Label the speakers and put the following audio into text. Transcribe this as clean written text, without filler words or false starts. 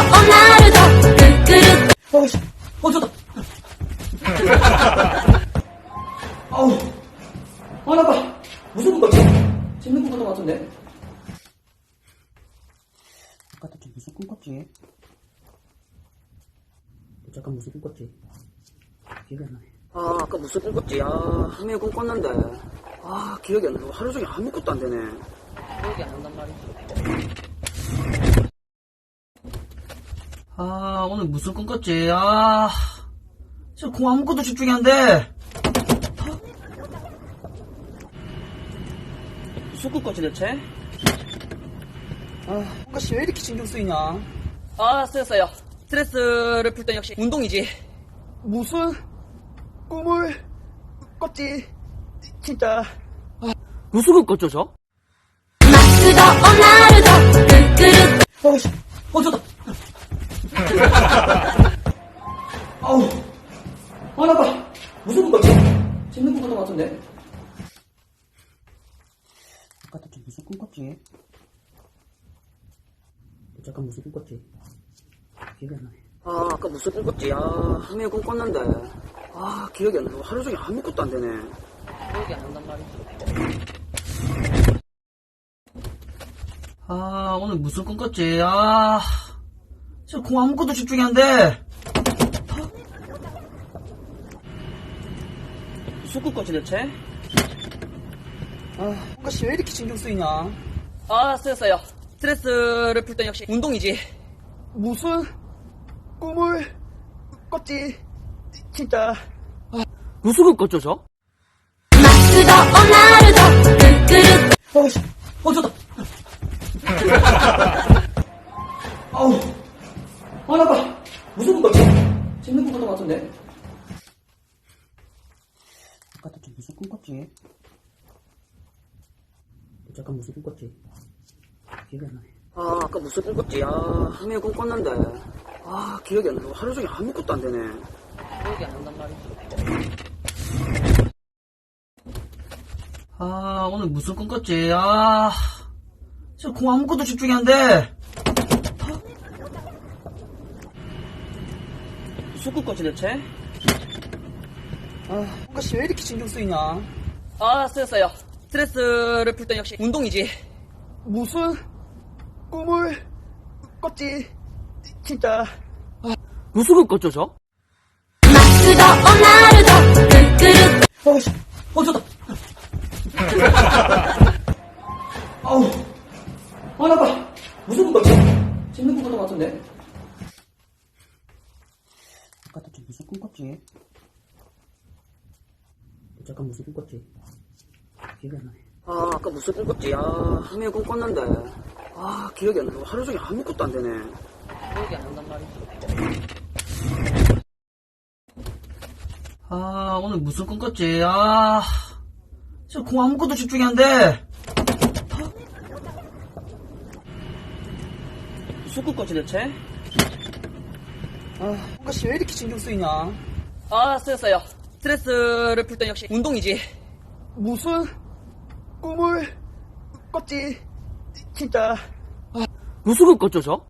Speaker 1: 어이씨, 좋다. 아우, 나 봐. 무슨 꿈 같지? 재밌는 꿈 같은 것 같은데? 아까 좀 무슨 꿈 꿨지? 잠깐 무슨 꿈 꿨지? 기억이 안 나네. 아까 무슨 꿈 꿨지? 분명히 꿈 꿨는데. 기억이 안 나. 하루 종일 아무것도 안 되네. 기억이 안 난단 말이지. 오늘 무슨 꿈 꿨지? 진짜 공 아무것도 집중이 안 돼. 무슨 꿈 꿨지 대체? 뭔가 왜 이렇게 신경 쓰이냐? 쓰였어요. 스트레스를 풀 땐 역시 운동이지. 무슨 꿈을 꿨지? 진짜. 무슨 꿈 꿨죠, 저? 어이씨, 좋다. 아우, 나 봐. 무슨 꿈 같지? 재밌는 꿈 같은 것 같은데? 아까 좀 무슨 꿈 꿨지? 잠깐 무슨 꿈 꿨지? 기억이 안 나네. 아까 무슨 꿈 꿨지? 분명히 꿈 꿨는데. 기억이 안 나. 하루 종일 아무것도 안 되네. 기억이 안 난단 말이지. 오늘 무슨 꿈 꿨지? 진짜 공 아무것도 집중이 안 돼. 무슨 꿈 꿨지 대체? 뭔가 왜 이렇게 신경 쓰이냐? 쓰였어요. 스트레스를 풀 땐 역시 운동이지. 무슨 꿈을 꿨지? 진짜. 무슨 꿈 꿨죠, 저? 어이씨, 좋다. 아우, 나 봐. 무슨 꿈 같지? 재밌는 꿈 같은 것 같은데? 아까 좀 무슨 꿈 꿨지? 잠깐 무슨 꿈 꿨지? 기억이 안 나네. 아까 무슨 꿈 꿨지? 분명히 꿈 꿨는데. 기억이 안 나. 하루 종일 아무것도 안 되네. 기억이 안 난단 말이지. 오늘 무슨 꿈 꿨지? 진짜 공 아무것도 집중이 안 돼. 무슨 꿈 꿨지 대체? 뭔가 왜 이렇게 신경 쓰이냐? 쓰였어요. 스트레스를 풀 땐 역시 운동이지. 무슨 꿈을 꿨지? 진짜. 무슨 꿈 꿨죠, 저? 어이씨, 좋다. 아우, 나 봐. 무슨 꿈 같지? 재밌는 꿈 같은 것 같은데? 아까 좀 무슨 꿈 꿨지? 잠깐 무슨 꿈 꿨지? 기억이 안 나네. 아까 무슨 꿈 꿨지? 분명히 꿈 꿨는데. 기억이 안 나. 하루 종일 아무것도 안 되네. 기억이 안 난단 말이지. 오늘 무슨 꿈 꿨지? 진짜 공 아무것도 집중이 안 돼. 무슨 꿈 꿨지 대체? 뭔가 왜 이렇게 신경 쓰이냐? 쓰였어요. 스트레스를 풀 땐 역시 운동이지. 무슨 꿈을 꿨지? 진짜. 무슨 꿈 꿨죠, 저?